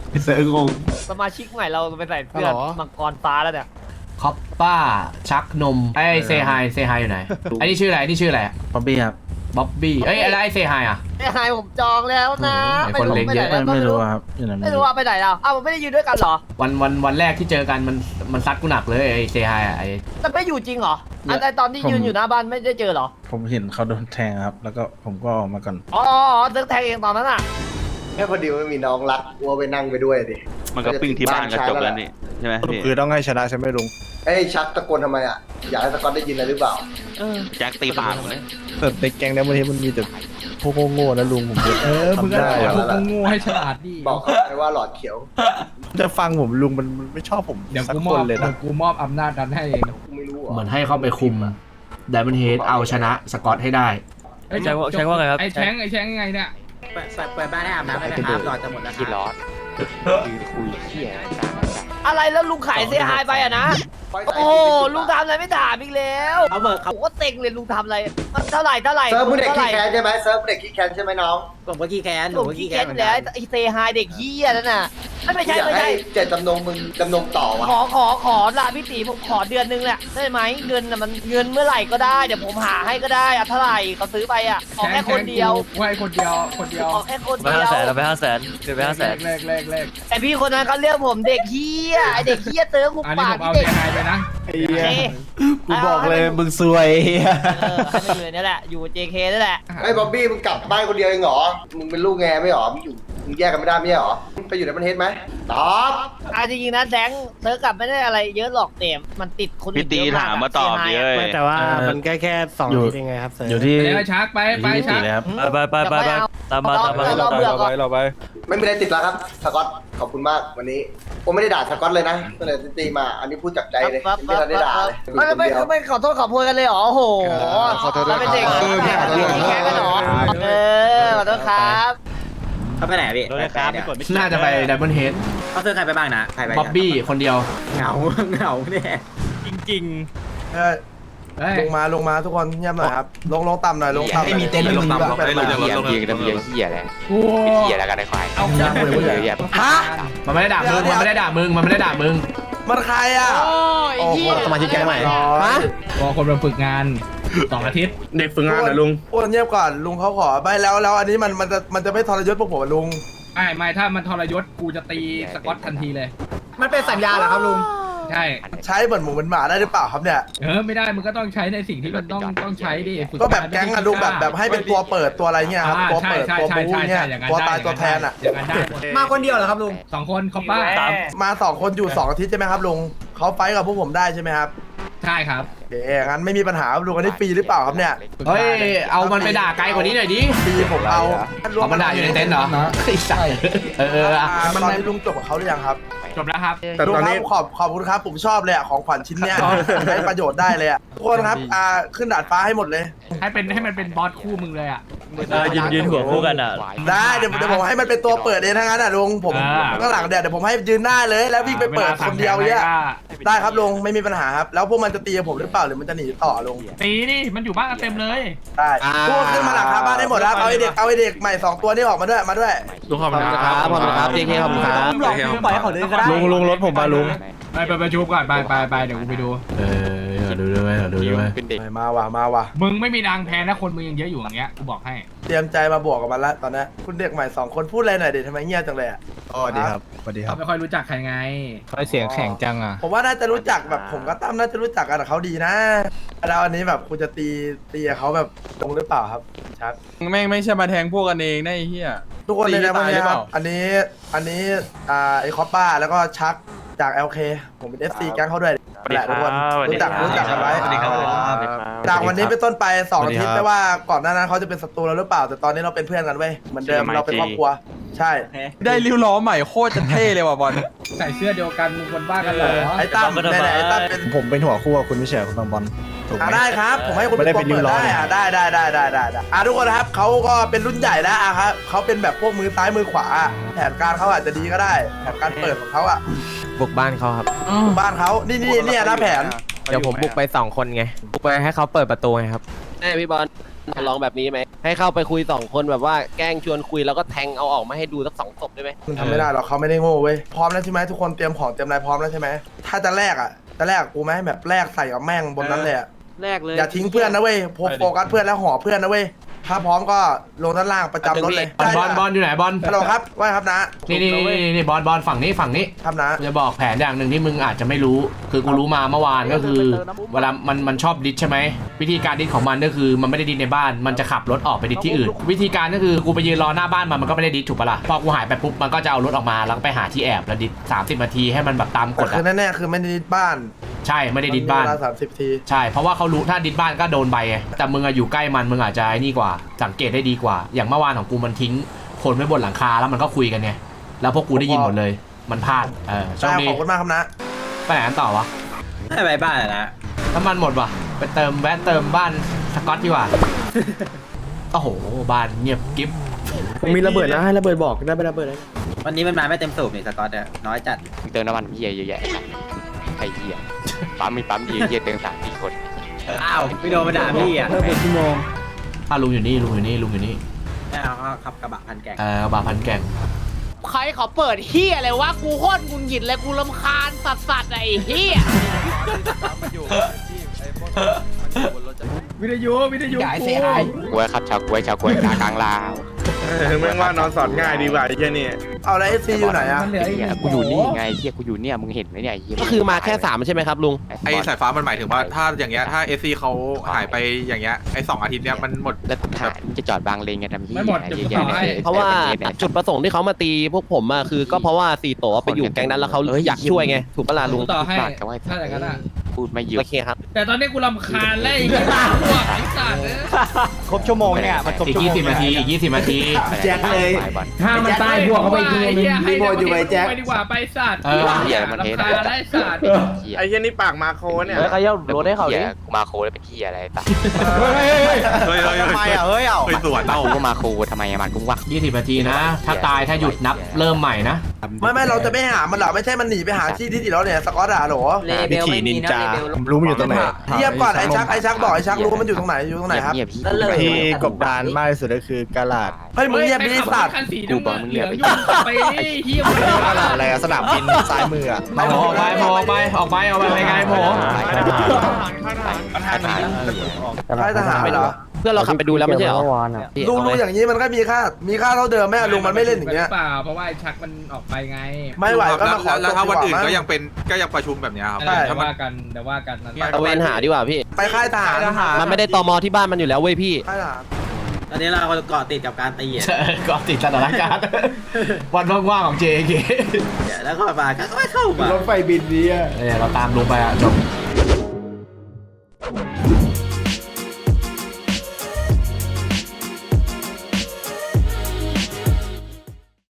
[SPEAKER 1] เสืองง
[SPEAKER 6] สมาชิกใหม่เราไปใส่เสื้อมังกรฟ้าแล้วเนี่ย
[SPEAKER 1] คอปป้าชักนมไอ้เซฮายเซฮายอยู่ไหนไอ้นี่ชื่ออะไรนี่ชื่ออะไร
[SPEAKER 11] บ๊อบบี้ครับ
[SPEAKER 1] บ๊อบบี้เอ้ยอะไรไอ้เซฮายอ่ะ
[SPEAKER 6] ไอ้ไฮผมจองแล้วนะ
[SPEAKER 1] โอ้โหไอ้คนเล็กเยอะ
[SPEAKER 6] ปหนแล้ว
[SPEAKER 11] ไม่รู้ครับอยู่ไหน
[SPEAKER 6] ไม่รู้ว่าไปไหนแล้วอ้าวมันไม่ได้ยืนด้วยกันเหรอ
[SPEAKER 1] วันวันวันแรกที่เจอกันมันมันซัดกูหนักเลยไอ้เซฮายอ่ะไอ้
[SPEAKER 6] แต่ไม่อยู่จริงเหรออันไอตอนที่ยืนอยู่หน้าบ้านไม่ได้เจอเหรอ
[SPEAKER 11] ผมเห็นเขาโดนแทงครับ แล้วก็ผมก็ออกมาก่อน
[SPEAKER 6] อ๋ออ๋อเซิร์ฟแทงเองตอนนั้นอ่ะ
[SPEAKER 8] แค่พอดีไม่มีน้องรักวัวไปนั่งไปด้วยดิ
[SPEAKER 2] มันก็ปิ้งที่บ้านก็จบแล้วนี่ใช่ไหมพี่
[SPEAKER 11] คือต้องให้ชนะใช่ไหมลุง
[SPEAKER 8] เอ้ยชักตะโกนทำไมอ่ะอยากให้สกอตได้ยินอะไรหรือเปล่า
[SPEAKER 2] แจ็คตีปากผมเลย
[SPEAKER 11] แต่ในแก๊งนี้บางทีมันมีแต่พวกโง่ๆนะลุงผม
[SPEAKER 4] เออมึงก็
[SPEAKER 11] ทำได้
[SPEAKER 4] สอน
[SPEAKER 11] อะ
[SPEAKER 4] พวกโง่ให้ฉลาดดิ
[SPEAKER 8] บอกเขาไปว่าหลอดเขียว
[SPEAKER 11] จะฟังผมลุงมันมันไม่ชอบผม
[SPEAKER 4] เดี๋ยว
[SPEAKER 11] สัก
[SPEAKER 4] กูม
[SPEAKER 11] ค
[SPEAKER 4] อบ
[SPEAKER 11] นเลย
[SPEAKER 4] เดี๋ย
[SPEAKER 11] นะ
[SPEAKER 4] วกูมอบอำนาจนั้นให้เอง
[SPEAKER 8] กูไม่รู้
[SPEAKER 1] เหมือนให้เข้าไปคุมไดมอนเฮดเอาชนะสกอตให้ได้
[SPEAKER 4] เอ้ย
[SPEAKER 3] แชงว่าแชงว่าไงครับ
[SPEAKER 4] ไอ้แชงไอ้แชงยังไงเนี่ย
[SPEAKER 5] เปิดเปิดบ้านให้อาบน้ำได้ไหมครับหลอดจะหมดแล้วที่ร้อนยืนคุยเที่ยกลางอากาศ
[SPEAKER 6] อะไรแล้วลุงขายเสียหายไปอะนะ
[SPEAKER 8] ไฟใส่
[SPEAKER 6] โอ้ลุงทำอะไรไม่ถามอีกแล้ว
[SPEAKER 5] เอาเบิกครับ
[SPEAKER 6] ผมก็เต็งเลยลุงทำอะไรมันเท่าไหร่เท่าไหร่
[SPEAKER 8] เซิร์ฟมึงเด็ก
[SPEAKER 6] เท่าไห
[SPEAKER 8] ขี้
[SPEAKER 6] ร่
[SPEAKER 8] แค้นใช่ไหมเซิร์ฟเด็กขี้แค้นใช่ไหมน้อง
[SPEAKER 5] ผมก็ขี้แค้นห
[SPEAKER 6] ผ
[SPEAKER 5] นู
[SPEAKER 6] ม
[SPEAKER 5] ก็
[SPEAKER 6] ขี้
[SPEAKER 5] ขี้
[SPEAKER 6] แค้
[SPEAKER 5] แค้
[SPEAKER 6] น
[SPEAKER 5] น
[SPEAKER 6] อ
[SPEAKER 5] เหมือยู่ น
[SPEAKER 6] แล้ว
[SPEAKER 5] กัน
[SPEAKER 6] ไอ้เซฮายเด็กเฮียนั่นน่ะไม่ไม่ใช่
[SPEAKER 8] อยาก
[SPEAKER 6] ไม่
[SPEAKER 8] ให้
[SPEAKER 6] ใช่
[SPEAKER 8] เจตจำนงมึงจำนงต่อวะ
[SPEAKER 6] ขอขอขอลาพี่ตีผมขอเดือนนึงแหละได้ไหมเงินน่ะมันเงินเมื่อไหร่ก็ได้เดี๋ยวผมหาให้ก็ได้อะเท่าไหร่เขาซื้อไปอะขอแค่คนเดียว
[SPEAKER 4] กูให้คนเดียวคนเดียว
[SPEAKER 6] ขอแค่คน
[SPEAKER 3] ไป
[SPEAKER 6] เดี
[SPEAKER 3] ห้า
[SPEAKER 6] ยว
[SPEAKER 3] แสนเราไปห้าแสนเกินไปห้าแสน
[SPEAKER 4] เลขเลขเลข
[SPEAKER 6] แต่พี่คนนั้นเขาเรียกผมเด็กเฮียไอเด็กเฮียเติร์กุ
[SPEAKER 4] อันนี้
[SPEAKER 6] ปา
[SPEAKER 4] ผ
[SPEAKER 6] ก
[SPEAKER 4] ม
[SPEAKER 6] ที่
[SPEAKER 4] เอา
[SPEAKER 6] เด็ก
[SPEAKER 4] เสียหายไปนะ
[SPEAKER 6] เอ
[SPEAKER 11] กูบอกเลยมึงซวย
[SPEAKER 6] เออให้มันอยู่ในนี่แหละอยู่ เจ เค นั่นแหละ
[SPEAKER 8] ไอ้บ๊อบบี้มึงกลับบ้านคนเดียวเองเหรอมึงเป็นลูกแงไม่เหรอมึงอยู่มึงแยกกันไม่ได้ไม่ใช่เหรอมึงไปอยู่ในประเทศไหมตอบ
[SPEAKER 6] อ่ะจริงๆนะแซงเติร์กลับไม่ได้อะไรเยอะหรอกเต็มมันติดคนอื่
[SPEAKER 2] พี่
[SPEAKER 6] น
[SPEAKER 2] ตี
[SPEAKER 6] เยอะ
[SPEAKER 2] ถามมาตอบ
[SPEAKER 6] เสี
[SPEAKER 2] ดิ
[SPEAKER 6] ยหาย
[SPEAKER 2] เอ้
[SPEAKER 6] อะ
[SPEAKER 2] ย
[SPEAKER 7] แต่ว่า
[SPEAKER 11] เออ
[SPEAKER 7] มันแค่แค่สอง
[SPEAKER 11] อยู่
[SPEAKER 7] อาทิตย์เองไงครับเซิร์ฟ
[SPEAKER 11] อยู่ที่
[SPEAKER 4] ไปเลยชักไปไป
[SPEAKER 11] อยู่ที่
[SPEAKER 4] ชัก
[SPEAKER 11] สี่เลยครับ
[SPEAKER 3] ไปไปไปไปตามมาตามมา
[SPEAKER 6] เราเบื่อก่อน
[SPEAKER 9] เราไป
[SPEAKER 8] ไม่มีอะไรติดแล้วครับสกอตขอบคุณมากวันนี้ผมไม่ได้ด่าสกอตเลยนะก็เลยตีมาอันนี้พูดจากใจเลย
[SPEAKER 6] ปั๊บ
[SPEAKER 8] ไม่
[SPEAKER 6] ปั๊บ
[SPEAKER 8] ได้ด่าเลย
[SPEAKER 6] ไม่ไม่
[SPEAKER 8] อยู่คนเดียว
[SPEAKER 6] ไม่ขอโทษขอโพยกันเลยเหรอโอ้โห
[SPEAKER 8] ขอโทษด้วย
[SPEAKER 6] เราเป็นเด็ก
[SPEAKER 8] ครับ
[SPEAKER 6] แข่งกันแข่งกันเหรอเออขอโทษครับ
[SPEAKER 5] เขาไปไหนพี่
[SPEAKER 11] โดนครับไม่กดไม่
[SPEAKER 1] น่าจะไปไดมอนเฮด
[SPEAKER 5] เขาซื้อใครไปบ้างนะใครไป
[SPEAKER 1] บ๊อบบี้คนเดียว
[SPEAKER 5] เหงาเหงาเนี่ย
[SPEAKER 3] จริง
[SPEAKER 4] เฮ้ย
[SPEAKER 11] ลงมาลงมาทุกคนเงียบหน่อยครับลงลงต่ำหน่อยลงต่ำ
[SPEAKER 5] ไม่มีเต็นท์ลงต่ำ
[SPEAKER 11] แบบ
[SPEAKER 5] เฮียเฮียกันเฮียเฮียแล้ว
[SPEAKER 4] โอ้
[SPEAKER 5] เฮียแล้วกันไอ้ควาย
[SPEAKER 4] เอา
[SPEAKER 5] เฮียเฮีย
[SPEAKER 11] ฮะ
[SPEAKER 1] มันไม่ได้ด่ามึงมันไม่ได้ด่ามึงมันไม่ได้ด่ามึง
[SPEAKER 11] มันใครอ่ะ
[SPEAKER 6] โอ้ยเหี้ย
[SPEAKER 7] สมาชิกแก๊งใหม่
[SPEAKER 11] ฮะ
[SPEAKER 4] พอคนมาฝึกงานสองอาทิตย์
[SPEAKER 11] เด็กฝึกงานเหรอลุงอ้วนเงียบก่อนลุงเขาขอไปแล้วแล้วอันนี้มันมันจะมันจะไม่ทรยศพวกผมอะลุง
[SPEAKER 4] ไม่ไม่ถ้ามันทรยศกูจะตีสกอตทันทีเลย
[SPEAKER 5] มันเป็นสัญญาเหรอครับลุง
[SPEAKER 4] ใช่
[SPEAKER 11] ใช้เหมือนหมูเหมือนหมาได้หรือเปล่าครับเนี่ย
[SPEAKER 4] เออไม่ได้มึงก็ต้องใช้ในสิ่งที่มันต้องต้องใช้ดิฝึ
[SPEAKER 11] ก็แบบแก๊งอะลุงแบบแบบให้เป็นตัวเปิดตัวอะไรเงี้ยครับ
[SPEAKER 4] อ่า
[SPEAKER 11] ตัว
[SPEAKER 4] ใช่
[SPEAKER 11] เปิด
[SPEAKER 4] ใช่
[SPEAKER 11] ตัว
[SPEAKER 4] ใช่
[SPEAKER 11] บู๊
[SPEAKER 4] ใช่
[SPEAKER 11] เงี้ย
[SPEAKER 4] อย่างนั้น
[SPEAKER 11] ตัว
[SPEAKER 4] ได้
[SPEAKER 11] ตายตัวแทนอะ
[SPEAKER 4] อย่างนั้นได้
[SPEAKER 5] มาคนเดียวเหรอครับลุง
[SPEAKER 4] สองคนคอปป้า
[SPEAKER 11] สามมาสองคนอยู่สองอาทิตย์ใช่ไหมครับลุงเขาไฟท์กับพวกผมได้ใช่ไหมครับ
[SPEAKER 4] ใช่ครับ
[SPEAKER 11] เดี๋ยวงั้นไม่มีปัญหาครับลุงอันนี้ฟรีหรือเปล่าครับเนี่ย
[SPEAKER 1] เฮ้ยเอามันไปด่าไกลกว่านี้หน่อยดิ
[SPEAKER 11] ฟรีผมเอา
[SPEAKER 1] เอามันด่าอยู่ในเต็นท์เหรอไอ้สัสเออเออ
[SPEAKER 11] อ่า
[SPEAKER 1] อะ
[SPEAKER 11] ตอนนี้ลุงจบกับเขาหรือยังครับ
[SPEAKER 4] จบแล้วครับ
[SPEAKER 11] แต่ตอนนี้ขอบขอบคุณครับผมชอบเลยอ่ะของขวัญชิ้นเนี้ยใช้ประโยชน์ได้เลยอ่ะทุกคนครับอ่าขึ้นดาดฟ้าให้หมดเลย
[SPEAKER 4] ให้เป็นให้มันเป็นบอสคู่มึงเลยอ่ะ
[SPEAKER 3] เออยืนยืนหัวคู่กันอ่ะ
[SPEAKER 11] ได้เดี๋ยวเดี๋ยวผมให้มันเป็นตัวเปิดเองทั้งนั้นอ่ะลุงผม
[SPEAKER 4] อ่า
[SPEAKER 11] ข้างหลังเดี๋ยวเดี๋ยวผมให้ยืนหน้าเลยแล้ววิ่งไปเปิดคนเดียวเนี่ยได้ครับลุงไม่มีปัญหาครับแล้วพวกมันจะตีกับผมหรือเปล่าหรือมันจะหนีต่อลุง
[SPEAKER 4] ตีดิมันอยู่บ้านกันเต็มเลย
[SPEAKER 11] ได้พวกขึ้นมาหลังคาบ้านได้หมดแล้วเอาไอเด็กเอาไอเด็กใหม่สองตัวนี่ออกมาด้วยมาด้วย
[SPEAKER 9] ลุงขอบคุณครับ
[SPEAKER 5] ขอบคุณครับ เจ เค ขอบคุณครับ
[SPEAKER 9] หลอกลุงปล่อยให้เขาเดินก็ได้
[SPEAKER 11] ลุงลุงรถผมมาลุง
[SPEAKER 4] ไปไปไปชุบก่อนไปไปไปเดี๋ยวกูไปดู
[SPEAKER 1] เออเดี๋ยวดูด้วยเดี๋ยวดูด้วย
[SPEAKER 5] เป็นเด็ก
[SPEAKER 11] มาว่ะมาว่ะ
[SPEAKER 4] มึงไม่มีนางแพ้นะคนมึงยังเยอะอยู่อย่างเงี้ยกูบอกให้
[SPEAKER 11] เตรียมใจมาบวกกับมันละตอนนี้คุณเด็กใหม่สองคนพูดอะไรหน่อยเด็ทำไมเงียบจังเลยอ่ะ
[SPEAKER 7] อ๋อดีครับสวัสดีค
[SPEAKER 4] เขา
[SPEAKER 7] รับ
[SPEAKER 4] ไม่ค่อยรู้จักใครไง
[SPEAKER 7] เขาเสียงแข็งจังอ่ะ
[SPEAKER 11] ผมว่าน่าจะรู้จักแบบผมก็ตั้มน่าจะรู้จักกันกับเขาดีนะแล้วอันนี้แบบคุณจะตีตีกับเขาแบบตรงหรือเปล่าครับชัด
[SPEAKER 9] แม่งไม่ใช่มาแทงพวกกันเองนะไอ้เหี้ย
[SPEAKER 11] ทุกคนเลยนะพวก
[SPEAKER 9] ตี
[SPEAKER 11] นี้
[SPEAKER 9] หรือ
[SPEAKER 11] ค
[SPEAKER 9] เป
[SPEAKER 11] รับ
[SPEAKER 9] ล่า
[SPEAKER 11] อันนี้อันนี้อ่าไอคอปป้าแล้วก็ชักจาก แอล เค ผมเป็น เอฟ ซี แก๊งเขาด้วยแหละทุกคนรู้จักรู้จักกันไว้
[SPEAKER 2] สวัสดีครับ
[SPEAKER 11] จากวันนี้เป็นต้นไปสองอาทิตย์ไม่ว่าก่อนหน้านั้นเขาจะเป็นศัตรูเราหรือเปล่าแต่ตอนนี้เราเป็นเพื่อนกันเว้ยเหมือนเดิมเราเป็นครอบครัวใช่
[SPEAKER 9] ได้ริ้วล้อใหม่โคตรจะเท่เลยว่ะบอล
[SPEAKER 4] ใส่เสื้อเดียวกันมึงคนบ้ากันเหรอ
[SPEAKER 11] ไอ้ตั้มเนี่ยแหละไอ้ตั้มเป็น
[SPEAKER 7] ผมเป็นหัวคู่กับคุณไม่ใช่คุณบางบอลถูกไหม
[SPEAKER 11] อ่าได้ครับ ผมให้คุณ
[SPEAKER 7] ไม่ได้เป็นริ้วล้อ
[SPEAKER 11] ได้อ่ะได้ได้ได้ได้ได้ได้อ่ะทุกคนนะครับเขาก็เป็นรุ่นใหญ่แล้วอ่ะครับเขาเป็นแบบพวกมือซ้ายมือขวา แผนการเขาอาจจะดีก็ได้แผนการเปิดของเขาอ่ะ
[SPEAKER 5] บุกบ้านเขาครับ
[SPEAKER 11] บ้านเขานี่นี่เนี่ยนะแผน
[SPEAKER 5] เดี๋ยวผมบุกไปสองคนไง บุกไปให้เขาเปิดประตูไงครับ
[SPEAKER 3] เอ้พี่บอล
[SPEAKER 12] ลองแบบนี้ไหมให้เข้าไปคุยสองคนแบบว่าแกล้งชวนคุยแล้วก็แทงเอาออกมาให้ดูสักสองศพได้ไหม
[SPEAKER 11] มึงทำไม่ได้หรอกเขาไม่ได้โง่เว้ยพร้อมแล้วใช่ไหมทุกคนเตรียมของเตรียมอะไรพร้อมแล้วใช่ไหมถ้าจะแลกอ่ะจะแลกกูไหมแบบแลกใส่กับแม่งบนนั้นเลยอะ
[SPEAKER 12] แรกเลย
[SPEAKER 11] อย่าทิ้งเพื่อนนะเว้ยโฟโฟกัสเพื่อนแล้วห่อเพื่อนนะเว้ยถ้าพร้อมก็ลงด้านล่างประจำรถเลย
[SPEAKER 1] บอลบอลบอลอยู่ไหนบอล
[SPEAKER 11] ฮัลโหลครับว่าครับนะ
[SPEAKER 1] นี่นี่นี่นี่บอลบอลฝั่งนี้ฝั่งนี้
[SPEAKER 11] ครับนะ
[SPEAKER 1] กูจะบอกแผนอย่างหนึ่งที่มึงอาจจะไม่รู้ คือกูรู้มาเมื่อวานก็คือ เวลามันมันชอบดิสใช่ไหมวิธีการดิสของมันก็คือมันไม่ได้ดิสในบ้านมันจะขับรถออกไปดิสที่อื่น วิธีการก็คือกูไปยืนรอหน้าบ้านมันมันก็ไม่ได้ดิสถูกปะล่ะพอกูหายไปปุ๊บมันก็จะเอารถออกมาแล้วก็ไปหาที่แอบแล้วดิสสามสิบนาทีให้มันแบบตามก
[SPEAKER 11] แต่
[SPEAKER 1] ฎ
[SPEAKER 11] คือ
[SPEAKER 1] อะ
[SPEAKER 11] แน่ๆคือไม่ได้ดิสบ้าน
[SPEAKER 1] ใช่ไม่ได้ดิสบ้าน
[SPEAKER 11] เวลาสามสิบที
[SPEAKER 1] ใช่เพราะว่าเขารู้ถ้าดิสบ้านก็โดนใบไงแต่มึงอะอยู่ใกล้มันมึงอาจจะไอ้นี่กว่าสังเกตได้ดีกว่า อย่างเมื่อวานของกูมันทิ้งคนไว้บนหลังคาแล้วมันก็คุยกันไงแล้วพวกกูได้ยินหมดเลยมันพลาดเออโชค
[SPEAKER 11] ได้
[SPEAKER 1] ดี
[SPEAKER 11] ขอบคุณมากครับนะ
[SPEAKER 1] ไปไหนกันต่อวะ
[SPEAKER 3] ไม่ไปบ้านนะ
[SPEAKER 1] น้ำมันหมดว่ะไปเติมแวะเติมบ้านสกอตดีกว่า โอ้โหบ้านเงียบกิ๊บ
[SPEAKER 3] มีระเบิดนะให้ระเบิดบอกได้ไประเบิดเลย
[SPEAKER 12] วันนี้มันมาไม่เต็มสูบนี่สกอตเนี่ยน้อยจัด
[SPEAKER 5] มึงเติมน้ำมันเหี้ยเยอะแยะใครเหี้ยปั๊มมีปั๊มเหี้ยเหี้ยเติมสามสี่คน
[SPEAKER 12] อ้าวพี่โดนมาด่าพี่อ่ะ
[SPEAKER 1] อ่ะลุงอยู่นี่ลุงอยู่นี่ลุงอยู่นี่
[SPEAKER 12] เอาขับกระบะพันแกง
[SPEAKER 1] เออบาพันแก่ง
[SPEAKER 6] ใครเขาเปิดเฮียอะไรวะกูโคตรงุนหงิดเลยกูรำคาญสัสสัสไอ้เฮีย
[SPEAKER 4] วิทยุวิทยุกู
[SPEAKER 5] กล้วยครับชาวกล้วยชาวกล้วยกลางกลางลาว
[SPEAKER 9] แม่งว่านอนสอนง่ายดีกว่าไอ้เหี้ยนี่
[SPEAKER 11] เอาแล้วเอฟซีอยู่ไหนอะ
[SPEAKER 4] มันเหลืออีกห
[SPEAKER 5] เหี้ย
[SPEAKER 4] นึ่ง
[SPEAKER 5] กูอยู่
[SPEAKER 4] โถ
[SPEAKER 5] นี่ไงเหี้ยกูอยู่เนี่ยมึงเห็นไหมเนี่ยไอ้เหี้ย
[SPEAKER 12] ก็คือมาแค่สามใช่ไหมครับลุง
[SPEAKER 9] ไอ้สายฟ้ามันหมายถึงว่าถ้าอย่างเงี้ยถ้าเอซีเขาหายไปอย่างเงี้ยไอ้สองอาทิตย์เนี้ยมันหมด
[SPEAKER 5] แล้วถ่ายมึงจะจอดบางเลนกันทำเหี้ย
[SPEAKER 4] ไม่หมด
[SPEAKER 5] เย
[SPEAKER 4] เดี๋ยว
[SPEAKER 5] อะ
[SPEAKER 4] กู
[SPEAKER 5] แยะ
[SPEAKER 4] ต่อให้
[SPEAKER 5] เลย
[SPEAKER 12] เพราะว่าจุดประสงค์ที่เขามาตีพวกผมอะคือก็เพราะว่าสี่โตไปอยู่แก๊งนั้นแล้วเขาอยากช่วยไงถูกปะล่ะลุง
[SPEAKER 4] ต่อให้
[SPEAKER 5] ปากกับว่า
[SPEAKER 4] ถ้าอย่างนั้นอะ
[SPEAKER 5] พูดไม่หยุด
[SPEAKER 12] โอเคครับ
[SPEAKER 4] แต่ตอนนี้กูรำคาญแล้วไอ้เหี้ยพวกไอ้สัตว์เนี่ย
[SPEAKER 3] ครบชั่วโมงเนี่ยมันครบ
[SPEAKER 1] อีก
[SPEAKER 3] ชั่วโม
[SPEAKER 1] ยี่
[SPEAKER 3] ง
[SPEAKER 1] สิบนาทีอีกยี่สิบนาที
[SPEAKER 5] แจ็คเลย
[SPEAKER 4] ถ้ามันตายพวกเขาไปทีนึงรีโมทอยู่ไอ้แจ็คไปดีกว่าไปสัตว์
[SPEAKER 1] เออ
[SPEAKER 5] เหี้ยมันเท
[SPEAKER 4] รำคาญได้สัตว์
[SPEAKER 5] เหี้ย
[SPEAKER 9] ไอ้เหี้ยนี่ปากมาโคเนี่ย
[SPEAKER 3] เฮ้ยใครเย้ารถให้เขาดิ
[SPEAKER 5] หี้ยกูมาโคแล้วเป็นเหี้ยอะไรต่าง
[SPEAKER 9] เฮ้ยเฮ้ยเฮ้ย
[SPEAKER 3] ทำไมอ่ะเฮ้ยเอา
[SPEAKER 9] เฮ้ยสวนเรา
[SPEAKER 5] กูก็มาโคทำไมอะมันกูวัก
[SPEAKER 1] ยี่สิบนาทีนะ ถ้าตายถ้าหยุดนับเริ่มใหม่นะ
[SPEAKER 11] ไม่ไม่เราจะไม่หามันหรอไม่ใช่มันหนีไปหาที่ที่ติดแล้วเนี่ยสกอตอะโหล
[SPEAKER 12] วิธีนินจา
[SPEAKER 7] รู้มันอยู่ตรงไหน
[SPEAKER 11] เทียบก่อนไอ้ชักไอ้ชักบอกไอ้ชักรู้ว่ามันอยู่ตรงไหนอยู่ตรงไหนครับ
[SPEAKER 5] เงียบๆพี่
[SPEAKER 7] ที่กบดานมากที่สุดก็คือกาลาด
[SPEAKER 11] เฮ้ยมึงเงียบดิสัตว์
[SPEAKER 4] คันสีน้ำเงินเหลืองยุ่งไปดิเฮียมึง
[SPEAKER 7] กาลาดอะไรอะสนามบินซ้ายมืออะ
[SPEAKER 1] ออกไปออกไปออกไปออกไปไปไงโผ
[SPEAKER 5] ทหาร
[SPEAKER 11] ค่ายทหารเหรอ
[SPEAKER 12] เพื่อนเราขับไปดูแล้วไม่ใช่เหรอ
[SPEAKER 11] ลุงลุงอย่างนี้มันก็มีค่ามีค่าเท่าเดิมแม่ลุงมันไม่เล่นอย่างเงี้ย
[SPEAKER 4] เปล่าเพราะว่าไอ้ชักมันออกไปไง
[SPEAKER 11] ไม่ไหวก็มาขอ
[SPEAKER 9] แล้วถ้าวันอื่นก็
[SPEAKER 11] จบดีว่า
[SPEAKER 9] ยังเป็นก็ยังประชุมแบบเนี้ยครับ
[SPEAKER 4] เดี๋
[SPEAKER 9] ถ้า
[SPEAKER 4] ยว
[SPEAKER 9] มัน
[SPEAKER 4] ว่ากันเดี๋ยวว่ากันนั้น
[SPEAKER 12] ตะเวนหาดีกว่าพี่
[SPEAKER 11] ไปค่ายทหาร
[SPEAKER 12] มันไม่ได้ตมที่บ้านมันอยู่แล้วเว้ยพี่
[SPEAKER 11] ค่ายทหาร
[SPEAKER 12] ตอนนี้เราเกาะติดกับการตีอ่ะ
[SPEAKER 1] ก็ติดสถานการณ์วันว่างๆของ เจ เค
[SPEAKER 12] แล้วก็มาก็ไม่เข้ามาร
[SPEAKER 7] ถไฟบินดีอะ
[SPEAKER 1] เออเราตามลงไปอ่ะจบ